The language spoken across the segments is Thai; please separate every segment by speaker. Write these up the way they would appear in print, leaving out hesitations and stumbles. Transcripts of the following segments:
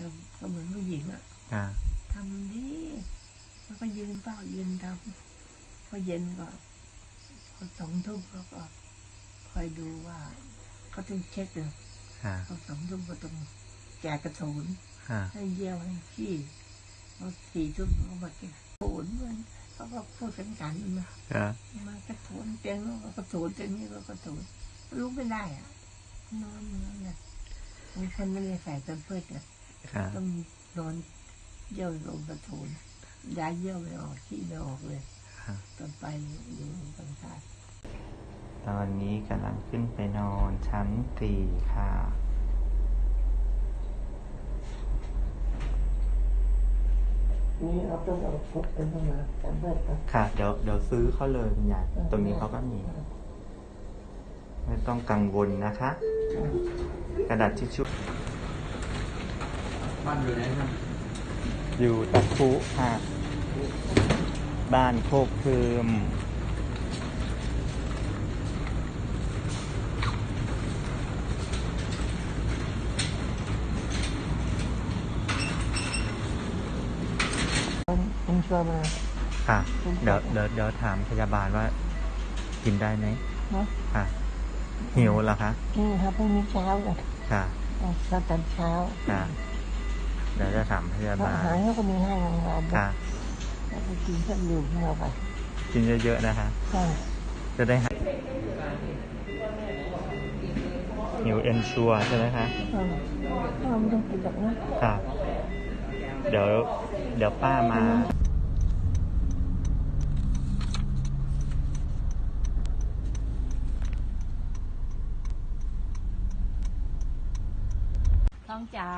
Speaker 1: ก็เหมือนผู้หญิงอ่ะทำดีแล้วก็ยืนเฝ้ายืนทำพอเย็นก็พอ2 ทุ่มก็คอยดูว่าเขาต้องเช็คเลยพอ2 ทุ่มก็ต้องแจกกระสุนให้เยี่ยวให้ขี้พอ4 ทุ่มก็มาเก็บกระสุนมันเขาก็พูดกันมากระสุนเตียงแล้วก็กระสุนเตียงนี้ก็กระสุนลุกไม่ได้อ่ะนอนเนี่ยบางคนไม่ได้ใส่แพมเพิร์สเนี่ยต้องนอนเยี่ยวลงกระสุนย้ายเยี่ยวไม่ออกขี้ไม่ออกเลยตอนไปอยู่ต่างชาติ
Speaker 2: ตอนนี้กำลังขึ้นไปนอนชั้น4ค่ะ
Speaker 1: นี่เอาต้องเอาพกเป็นต้องมาจำเบิดกัน
Speaker 2: ค่ะเดี๋ยวซื้อเขาเลยคุณยายตรงนี้เขาก็มีไม่ต้องกังวลนะคะกระดาษทิชชู่
Speaker 3: บ้านอยู่ไหนครับ
Speaker 2: อยู่ตะคุค่ะบ้านโคกพืม
Speaker 1: คุณชวนมา
Speaker 2: ค่ะเดี๋ยวถามพยาบาลว่ากินได้ไหมค่ะหิวเหรอคะ
Speaker 1: ครับพรุ่งนี้เช้าเลย
Speaker 2: ค่ะ
Speaker 1: ตอนเช้า
Speaker 2: ค่ะเดี๋ยวจะถามพยาบาล
Speaker 1: อาหารเขาก็มีให้โรงพยาบาล
Speaker 2: ค่ะ
Speaker 1: แล้วก็กินเครื่องดื่มให้เราไป
Speaker 2: กินเยอะๆนะคะ
Speaker 1: ใช่
Speaker 2: จะได้หิวเอนชัวใช่ไหมคะ
Speaker 1: ไม่ต้องกินแบบนั้น
Speaker 2: ค่ะเดี๋ยวป้ามา
Speaker 1: ท้องจ๋า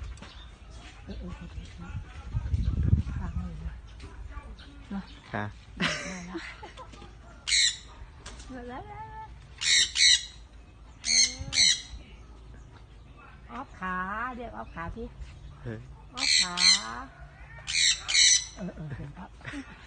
Speaker 1: ฟังเลยนะ
Speaker 2: ค่ะ
Speaker 1: ออฟขาเรียกออฟขาพี่ออฟขาเห็นครับ